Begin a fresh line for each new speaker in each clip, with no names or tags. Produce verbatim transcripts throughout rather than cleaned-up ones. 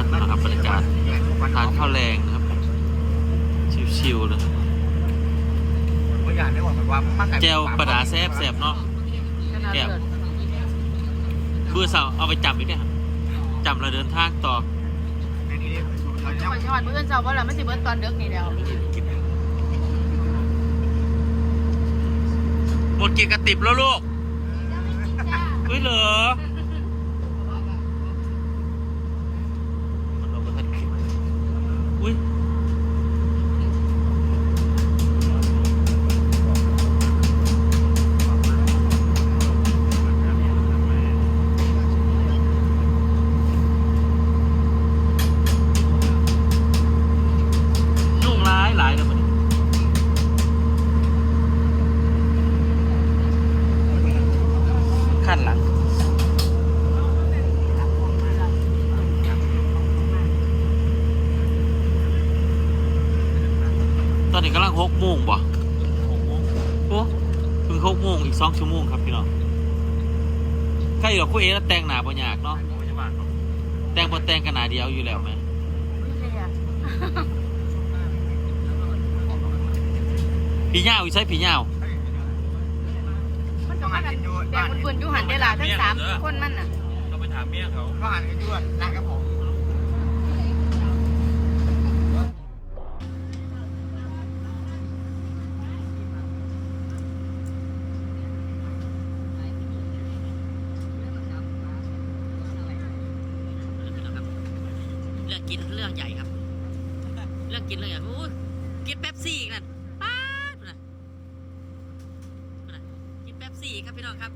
นะครับบรรยากาศทานข้าวแรงนะครับชิวๆเลยแก้วปลาดาแซ่บแซ่บเนาะแก้วเบื่อเสาเอาไปจับอีกเนี่ยจับเราเดินทางต่อ
จังหวัดจังหวัดเพื่อนเจ้าว่าเราไม่สิเบิร์ตอนเด็กนี่แล้ว
หมดกี่กระติบแล้วลูกเฮ้ยเหรอเราก็ทันคิดอุ้ยยุ่งร้ายหลายเลยมันขั้นหลังตอนนี้กำลังหกโมงบ่โอ้ถึงหกโมงอีกสองชั่วโมงครับพี่น้องใครอยู่กับคู่เอแล้วแต่งหนาบ่ยากเนาะแต่งบ่แต่งกันหนาเดียวอยู่แล้วไหมผีเหย้าอีใช่ผีเหย้า
มันก็มันแต่คนคนอยู่หันได้ละทั้งสามคนมันน่ะ
เราไปถามเมียเขา
ก็หันกันด้วยร้านกับผม
เรื่องกินเรื่องใหญ่ครับเรื่องกินเรื่องใหญ่โอ้ยกินเป๊ปซี่อีกนั่นป๊าดนะกินเป๊ปซี่ครับพี่น้องครับ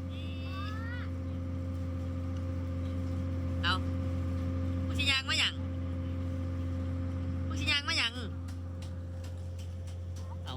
เอาผู้ชิยางมาอย่างผู้ชิยางมาอย่างเอา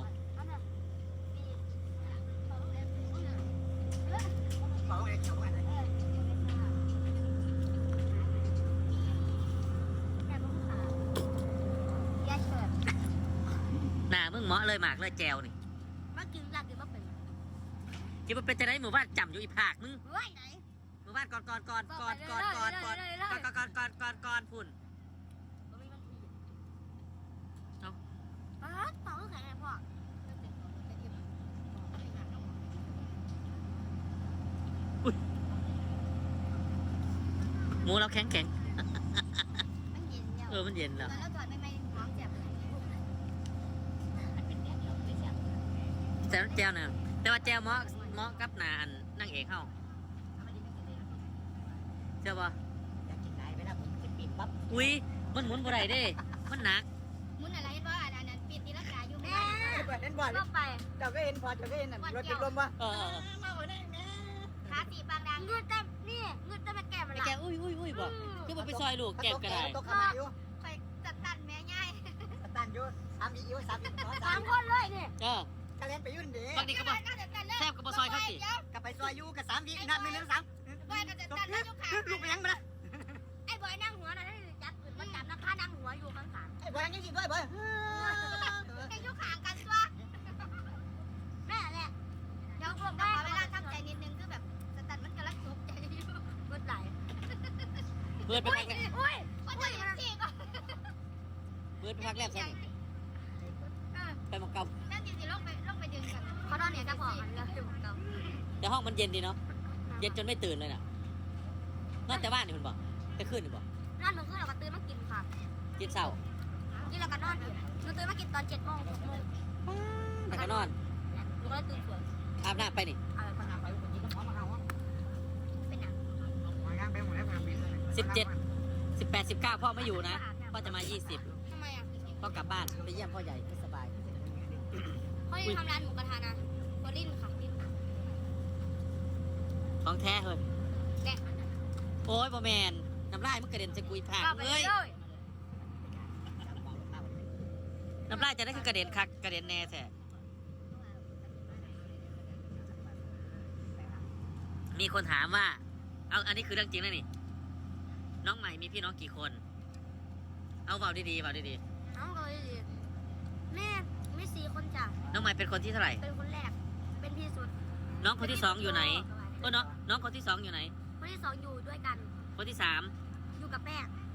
หน้ามึงเหมาะเลยหมากเลยแจวนี่
มากินหลักกินมาเป็น
กินมาเป็นจะได้หมู่บ้านจำอยู่อีผากมึง
เฮ้ยไหน
หมู่บ้านก่อนก่อนก่อนก่อนก่อนก่อนก่อนก่อนก่อนก่อนก่อนก่อนพุ่นเอา
อ๋อต่อคือไงพ่อ
หมูเราแข็งแข็ง
มันเย็นเนี่ย
เออมันเย็นแล้ว
แล้วถอดไม่ไม่ท้องเจ็บ
แต่แจวเนี่ยแต่ว่าแจวเหมาะเหมาะกับนาอันนั่งเอกเข้าเจ้าบ่
อยากกินไหนไปนะผมจะปิดปั๊บ
อุ้ยมันหมุนบ่ได้เด้มันหนัก
หมุนอะไรว่าอันนั้นปิดตีลังกาอยู่แม่
เห็นบ่อย
ก็ไป
เจ้าก็เห็นพอเจ้าก็เห็นรถติดลมป่ะ
เออ
ขาสีบางดังเงืดเต็มนี่เงืดเต็มแก้มมัน
แกอุ้ยอุ้ยอุ้ยบอกคือมันไปซอยลูกแก้มก็ได้
ตกขมาอยู่
ไปจัดตันแม่ง่าย
ตันอยู่สามอีอยู่สามอี
สามคนเลยนี่
เออ
ก็เล่นไปยุ่นดี
บางทีก็บอกแซ่บกับซอยเขาสิ
กับไปซอยอยู่กับสามอีนัดหนึ่งหนึ่งสาม
บอยก็จะตันแล้วยกขา
ลูกไปยังมาละ
ไอ้บอยนั่งหัวนะให้จับมันจับนักฆ่านั่งหัวอยู่ข้างขา
ไอ้บอยยังยิงด้วยบอย
ไอ้ยกขากันตัวแม่เนี่ยเดี๋ยวพวกเราเวลาทำใจนิดนึงคือแบบสตันมันกำลังตกใจอยู่กดไหล
เพื่อนไปพักแรก
อุ้ยว่าจะยังสี่ก็
เพื่อนไปพักแรกใช่ไหมไปมังกร
นั่นจริงๆลงไปลงไปดึงกันเขานอนเนี่ยจะพอกันเลยมังกร
แต่ห้องมันเย็นดีเนาะเย็นจนไม่ตื่นเลยน่ะนอนแต่บ้านนี่มันบอกแต่คืนนี่บอก
นอนเมื่อคืนเราก็ตื่นมากินค่ะ
กินเช้า
กินแล้วก็นอนเราตื่นมากินตอนเจ็ดโมงหกโมง
แล้วก็นอน
เราก็เลยตื่นสวย
อาบน้ำไปนี่
อะไรคนอาบไปคนนี้ก็พร้อมมาเอาเป็นหนัง
สิบเจ็ดสิบแปดสิบเก้าพ่อไม่อยู่นะพ่อจะมายี่สิบ
ทำไมอ่ะ
พ่อกลับบ้านไปเยี่ยมพ่อใหญ่ไม่สบาย
พ่อยังทำร้านหมูกระทะนะโคลินค่ะลิน
ของแท้เลย
แดก
โอ้ยบอแมนน้ำลายมันกระเด็นจะกุยผ่านเลยน้ำลายจะได้คือกระเด็นคักกระเด็นแน่แท้มีคนถามว่าเอาอันนี้คือเรื่องจริงนะนี่น้องใหม่มีพี่น้องกี่คนเอาเบาดีๆเบาดี
ๆน้องเลยแม่ไม่สี่คนจ้ะ
น้องใหม่เป็นคนที่เท่าไหร่
เป็นคนแรกเป็นพี่สุด
น้องคนที่สองอยู่ไหนก็น้องน้องคนที่สองอยู่ไหน
คนที่สองอยู่ด้วยกัน
คนที่สาม
อยู่กับแม่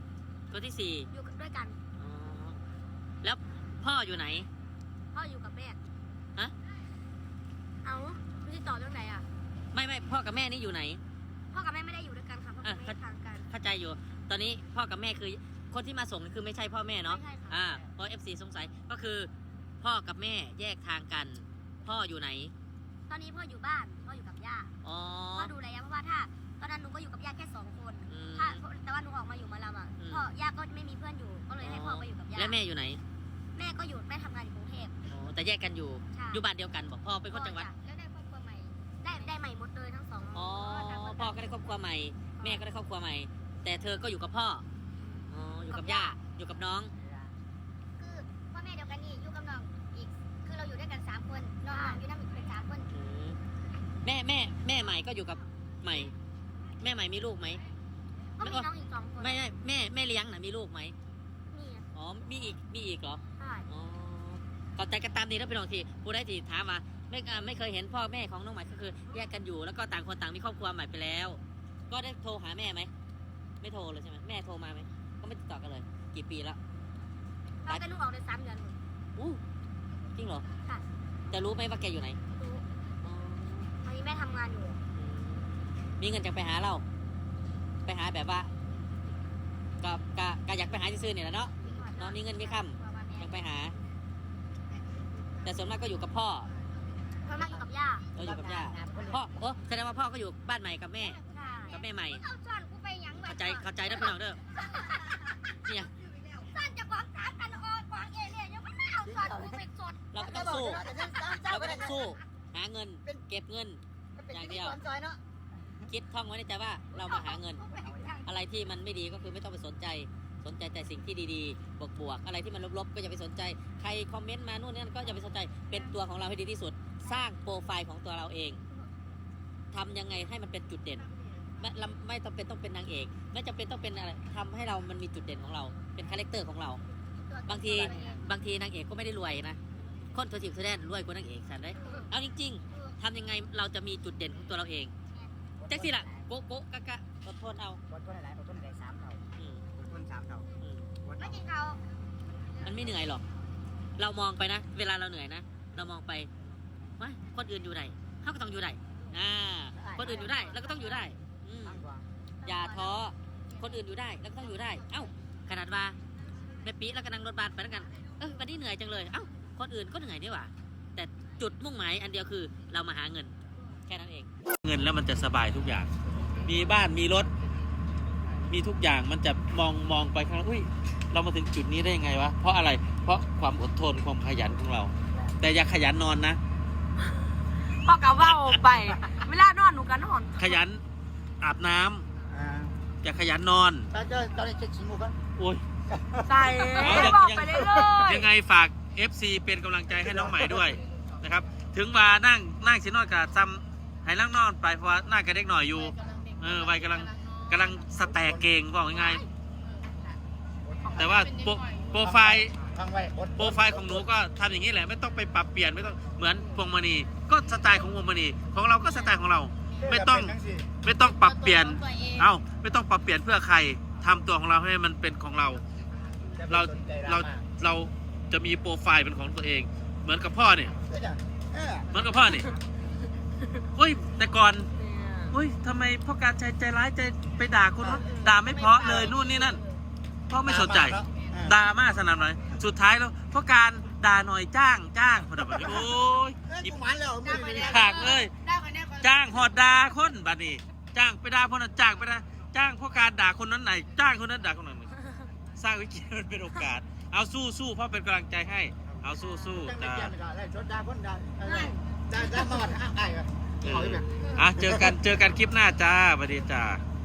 คนที่สี่
อยู่ด้วยกัน
อ๋อแล้วพ่ออยู่ไหน
พ่ออยู่กับแม่
ฮะ
เอาไม่ได้ต่อเรื่องไหนอ่ะ
ไม่ไม่พ่อกับแม่นี่อยู่ไหน
พ่อกับแม่ไม่ได้อยู่ด้วยกันค่ะพ่อกับแม่
อ่ะ
ทางกัน
เข้าใจอยู่ ตอนนี้พ่อกับแม่คือคนที่มาส่งนี่คือไม่ใช่พ่อแม่เนาะ
ไม่ใช่ค่ะ
อ่าเพราะ เอฟ ซี สงสัยก็คือ พ่อกับแม่แยกทางกัน พ่ออยู่ไหน
ตอนนี้พ่ออยู่บ้านพ่ออยู่กับย่า
อ๋อ
พ่อดูแลย่าเพราะว่าถ้าตอนนั้นหนูก็อยู่กับย่าแค่สองคน
อืม
ถ้าแต่ว่าหนูออกมาอยู่หมาลำอ่ะ
อืม
พ่อย่าก็ไม่มีเพื่อนอยู่ก็เลยให้พ่อไปอยู่กับย่า
และแม่อยู่ไหน
แม่ก็อยู่แม่ทำงานอยู่กรุงเทพ
อ๋อแต่แยกกันอยู่
ใช่
อยู่บ้านเดียวกันบอกพ่อเป็นคนจังหวัด
แล้วได้ครอบครัวใหม่ได้ได้ใหม่หมดเลยทั้งสอง
อ๋อ
ต่างคน
พ่อก็ได้ครอบครัวใหม่ แม่ก็ได้ครอบครัวใหม่ แต่เธอก็อยู่กับพ่อ อ๋อ อยู่กับย่า อยู่กับน้อง
คือพ่อแม่เดียวกันนี่อยู่กับน้องอีกคือเราอยู่ด้วยกันสามคนน้องอยู่นั่นอีกเป็นสามคน
อืมแม่แม่แม่ใหม่ก็อยู่กับใหม่ แม่ใหม่มีลูกไหม
ก็มีน้องอีกสองคน
ไม่ไม่แม่แม่เลี้ยงนะมีลูกไหม
นี่
อ๋อ มีอีก มีอีกเหรอ
ใช่
อ๋อเข้าใจกันตามนี้แล้วพี่น้องทีผู้ได้ทีถามมาไม่อ่าไม่เคยเห็นพ่อแม่ของน้องใหม่ก็คือแยกกันอยู่แล้วก็ต่างคนต่างมีครอบครัวใหม่ไปแล้ว ก็ได้โทรหาแม่ไหมไม่โทรเลยใช่ไหมแม่โทรมาไหมก็ไม่ติดต่อกันเลย กี่ปีแล้ว
เราก็นุ่งออกได้สามเดือนหมด
อู้จริงเหรอ
ค่ะ
จะรู้ไหมว่าแกอยู่ไหน
รู้
อ๋อ
ตอนนี้แม่ทำงานอยู่
อืมมีเงินจะไปหาเรา ไปหาแบบว่าก็ก็ก็อยากไปหาซื่อๆเนี่ยแหละเนาะ น้องมีเงินมีคำ อยากไปหา แต่ส่วนมากก็อยู่กับพ่อ
พ่อมาอยู่กับย่า
เราอยู่กับย่าพ่อโอ้แสดงว่าพ่อก็อยู่บ้านใหม่กับแม่
ใช่
กับแม่ใหม่
เอาซ่อนกูไปหยังไว้
เข้าใจเข้าใจนะพี่น้องเด้อเนี่ย
ซ่อนจะกวางสามกันออกกวางเอเลี่ยยังไม่เอาซ่อนกูไปสด
เราก็ต้องสู้ เราก็ต้องสู้ หาเงิน เก็บเงิน อย่างเดียว
ซอยเนาะ
คิดท่องไว้ในใจว่าเรามาหาเงิน อะไรที่มันไม่ดีก็คือไม่ต้องไปสนใจ สนใจแต่สิ่งที่ดีๆ บวกๆ อะไรที่มันลบๆ ก็อย่าไปสนใจ ใครคอมเมนต์มานู่นนี่นั่นก็อย่าไปสนใจ เป็นตัวของเราให้ดีที่สุด สร้างโปรไฟล์ของตัวเราเอง ทำยังไงให้มันเป็นจุดเด่น ไม่เราไม่ต้องเป็นต้องเป็นนางเอก ไม่จำเป็นต้องเป็นอะไรทำให้เรามันมีจุดเด่นของเรา เป็นคาแรคเตอร์ของเรา บางที บางทีนางเอกก็ไม่ได้รวยนะ คนตัวจิ๋วแสดงรวยกว่านางเอกสันได้เอาจริงๆ ทำยังไงเราจะมีจุดเด่นของตัวเราเองแจ็คสิล่ะโกะโกะกะกะอดทนเอา
อดทนหลายๆอดทนหลายๆสามเท่า
อืม
อดทนสามเท่า
อืม
อด
ไม่
เอา
กินเขา
มันไม่เหนื่อยหรอก เรามองไปนะ เวลาเราเหนื่อยนะ เรามองไปว่าคนอื่นอยู่ไหนเขาก็ต้องอยู่ได้อ่า คนอื่นอยู่ได้เราก็ต้องอยู่ได้ อืม
มากกว่า
อย่าท้อ คนอื่นอยู่ได้เราก็ต้องอยู่ได้ เอ้า ขนาดว่าแม่ปีแล้วก็นั่งรถบัสไปแล้วกัน เออวันนี้เหนื่อยจังเลย เอ้า คนอื่นก็เหนื่อยนี่หว่า แต่จุดมุ่งหมายอันเดียวคือเรามาหาเงิน แค่นั้นเอง
เงินแล้วมันจะสบายทุกอย่าง มีบ้านมีรถ มีทุกอย่างมันจะมองมองไปข้างหน้าอุ้ยเรามาถึงจุดนี้ได้ยังไงวะเพราะอะไรเพราะความอดทนความขยันของเรา แต่อย่าขยันนอนนะ
พ่อกะว่าไป เวลานอนหนูก็นอน
ขยันอาบน้ำ
อ่า
อย่าขยันนอน
ตอนเจ้าตอนนี้เช็คชิมูกัน
โอ้ย
ใส่
เอาอย่าง
บอกไปเรื่อย
ยังไงฝาก เอฟ ซี เป็นกำลังใจให้น้องใหม่ด้วยนะครับ ถึงว่านั่งนั่งสินอนกับซ้ำให้นั่งนอนไปเพราะว่านั่งกับเด็กหน่อยอยู่ เออวัยกำลังกำลังสแตกเก่งบอกยังไงายๆแต่ว่าโปรโปรไฟล์
ฟังไว้อด
โปรไฟล์ของหนูก็ทำอย่างนี้แหละไม่ต้องไปปรับเปลี่ยนไม่ต้องเหมือนพวงมณีก็สไตล์ของพวงมณีของเราก็สไตล์ของเรา ไม่ต้องไม่ต้องปรับเปลี่ยน เอ้าไม่ต้องปรับเปลี่ยนเพื่อใครทำตัวของเราให้มันเป็นของเรา เราเราเราจะมีโปรไฟล์เป็นของตัวเอง เหมือนกับพ่อเนี่ยเหมือนกับพ่อเนี่ยอุ้ยแต่ก่อนอุ้ยทำไมพ่อการใจใจร้ายใจไปด่าคนนั้นด่าไม่เพราะเลยนู่นนี่นั่นพ่อไม่สนใจด่ามากสนั่นเลยสุดท้ายแล้วพ่อการด่าหน่อยจ้างจ้างพอดับโอ้ย
ยิ้มหวานแล้วมือนี่
ขากเลยจ้างหอดด่าคนบัดนี้จ้างไปด่าคนนั้นจ้างไปด่าจ้างพ่อการด่าคนนั้นไหนจ้างคนนั้นด่าคนนั้นสร้างวิกฤตมันเป็นโอกาสเอาสู้สู้พ่อเป็นกำลังใจให้เอาสู้สู้
จัง
จ้า
ไม่เกี่ยวกันเลยชดดาคนดาดาดามาวัดอ้ายอ่ะ
เอออ่ะเจอกันเจอกันคลิปหน้าจ้าสวัสดีจ้า